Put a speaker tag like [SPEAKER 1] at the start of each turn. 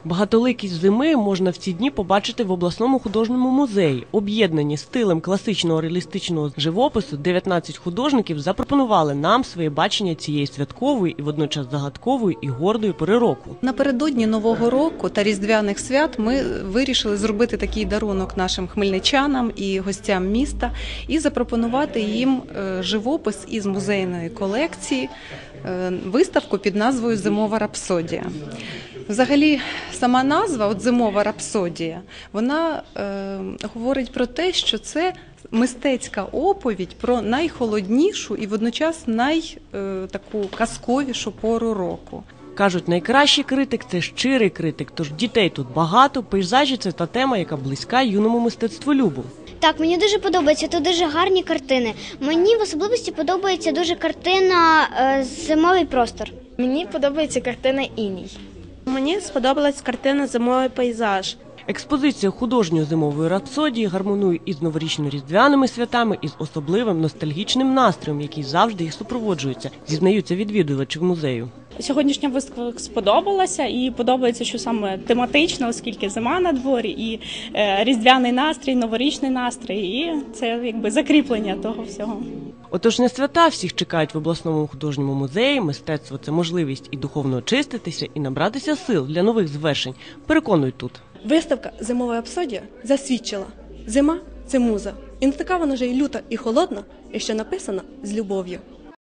[SPEAKER 1] Багатоликість зими можна в ці дні побачити в обласному художньому музеї. Об'єднані стилем класичного реалістичного живопису, 19 художників запропонували нам своє бачення цієї святкової і водночас загадкової і гордої пори року.
[SPEAKER 2] Напередодні Нового року та Різдвяних свят ми вирішили зробити такий дарунок нашим хмельничанам і гостям міста і запропонувати їм живопис із музейної колекції, виставку під назвою «Зимова рапсодія». Взагалі, сама назва «Зимова рапсодія», вона говорить про те, що це мистецька оповідь про найхолоднішу і водночас таку казковішу пору року.
[SPEAKER 1] Кажуть, найкращий критик – це щирий критик, тож дітей тут багато, пейзажі – це та тема, яка близька юному мистецтволюбу.
[SPEAKER 3] Так, мені дуже подобається, тут дуже гарні картини. Мені в особливості подобається дуже картина «Зимовий простор».
[SPEAKER 4] Мені подобається картина «Іній».
[SPEAKER 5] Мені сподобалась картина «Зимовий пейзаж».
[SPEAKER 1] Експозиція художньої зимової рапсодії гармонує із новорічно-різдвяними святами і з особливим ностальгічним настроєм, який завжди їх супроводжується, зізнаються відвідувачі музею.
[SPEAKER 6] Сьогоднішня виставка сподобалася і подобається, що саме тематично, оскільки зима на дворі, і різдвяний настрій, новорічний настрій, і це якби закріплення того всього.
[SPEAKER 1] Отож, не свята всіх чекають в обласному художньому музеї. Мистецтво – це можливість і духовно очиститися, і набратися сил для нових звершень. Переконують тут.
[SPEAKER 5] Виставка «Зимова рапсодія» засвідчила – зима – це муза. І не така вона вже й люта, і холодна, і що написана з любов'ю.